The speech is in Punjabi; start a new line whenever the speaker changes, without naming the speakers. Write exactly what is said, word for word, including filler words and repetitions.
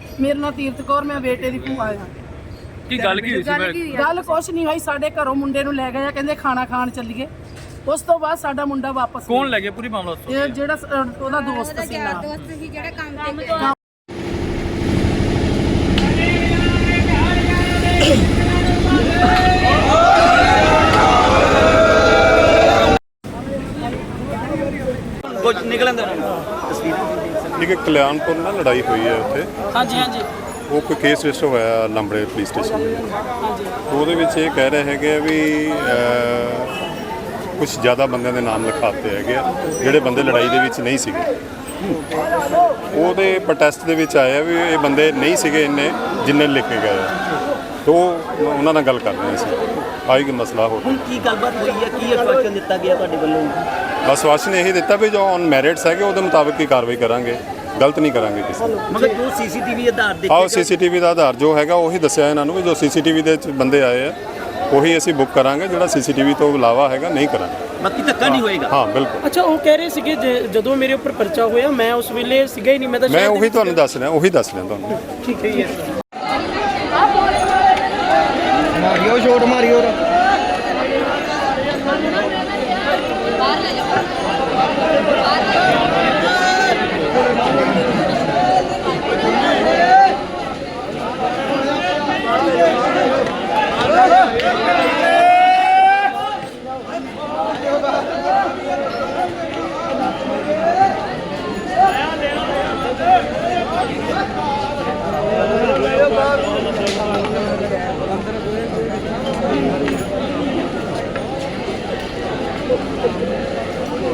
मेरे नाल तीरथ कौर, मैं बेटे दी भूआ आ।
ਕੀ ਗੱਲ ਕੀ ਹੋਈ ਸੀ?
गल कुछ नहीं होई, साडे घरों मुंडे नूं लै गए, कहंदे खाना खाण चलीए। उस तो बाद साडा मुंडा वापस
कौन लै गया? पूरी मामला ਦੱਸੋ।
ਇਹ ਜਿਹੜਾ ਅ, ਉਹਦਾ ਦੋਸਤ ਸੀ ਨਾਲ।
ਦੋਸਤ ਸੀ ਜਿਹੜਾ ਕੰਮ ਤੇ ਗਿਆ।
ਕੁਝ ਨਿਕਲਣ ਦੇ
ਇੱਕ ਕਲਿਆਣਪੁਰ ਨਾਲ ਲੜਾਈ ਹੋਈ ਹੈ ਉੱਥੇ।
ਹਾਂਜੀ ਹਾਂਜੀ
ਉਹ ਕੋਈ ਕੇਸ ਰਜਿਸਟਰ ਹੋਇਆ ਲੰਬੜੇ ਪੁਲਿਸ ਸਟੇਸ਼ਨ। ਉਹਦੇ ਵਿੱਚ ਇਹ ਕਹਿ ਰਹੇ ਹੈਗੇ ਆ ਵੀ ਕੁਝ ਜ਼ਿਆਦਾ ਬੰਦਿਆਂ ਦੇ ਨਾਮ ਲਿਖਾਤੇ ਹੈਗੇ ਆ ਜਿਹੜੇ ਬੰਦੇ ਲੜਾਈ ਦੇ ਵਿੱਚ ਨਹੀਂ ਸੀਗੇ। ਉਹਦੇ ਪ੍ਰੋਟੈਸਟ ਦੇ ਵਿੱਚ ਆਇਆ ਵੀ ਇਹ ਬੰਦੇ ਨਹੀਂ ਸੀਗੇ ਇੰਨੇ ਜਿੰਨੇ ਲਿਖੇ ਗਏ ਆ। ਤੋ ਉਹਨਾਂ ਨਾਲ ਗੱਲ ਕਰ ਰਹੇ ਸੀ, ਆਈ ਕਿ ਮਸਲਾ ਹੋ
ਹੁਣ ਕੀ ਗੱਲਬਾਤ ਹੋਈ ਹੈ, ਕੀ ਆਸ਼ਵਾਸਨ ਦਿੱਤਾ ਗਿਆ ਤੁਹਾਡੇ ਵੱਲੋਂ?
ਬਸ ਆਸ਼ਵਾਸਨ ਇਹੀ ਦਿੱਤਾ ਵੀ ਜੋ ਔਨ ਮੈਰਿਟਸ ਹੈਗੇ ਉਹਦੇ ਮੁਤਾਬਕ ਹੀ ਕਾਰਵਾਈ ਕਰਾਂਗੇ, ਗਲਤ ਨਹੀਂ ਕਰਾਂਗੇ ਕਿਸੇ ਨੂੰ।
ਮਗਰ ਜੋ ਸੀਸੀਟੀਵੀ ਆਧਾਰ ਦੇਖੇ
ਆਓ ਸੀਸੀਟੀਵੀ ਦਾ ਆਧਾਰ ਜੋ ਹੈਗਾ ਉਹੀ ਦੱਸਿਆ ਇਹਨਾਂ ਨੂੰ ਵੀ ਜੋ ਸੀਸੀਟੀਵੀ ਦੇ ਵਿੱਚ ਬੰਦੇ ਆਏ ਆ ਉਹੀ ਅਸੀਂ ਬੁੱਕ ਕਰਾਂਗੇ, ਜਿਹੜਾ ਸੀਸੀਟੀਵੀ ਤੋਂ ਇਲਾਵਾ ਹੈਗਾ ਨਹੀਂ ਕਰਾਂਗੇ।
ਬਾਕੀ ਧੱਕਾ ਨਹੀਂ ਹੋਏਗਾ।
ਹਾਂ ਬਿਲਕੁਲ।
ਅੱਛਾ, ਉਹ ਕਹਿ ਰਹੇ ਸੀਗੇ ਜਦੋਂ ਮੇਰੇ ਉੱਪਰ ਪਰਚਾ ਹੋਇਆ ਮੈਂ ਉਸ ਵੇਲੇ ਸੀਗਾ ਹੀ ਨਹੀਂ, ਮੈਂ ਤਾਂ
ਮੈਂ ਉਹੀ ਤੁਹਾਨੂੰ ਦੱਸ ਰਿਹਾ ਉਹੀ ਦੱਸ ਰਿਹਾ ਤੁਹਾਨੂੰ।
ਠੀਕ ਹੈ।
ਮਾਰੀਓ ਸ਼ੋਟ ਮਾਰੀ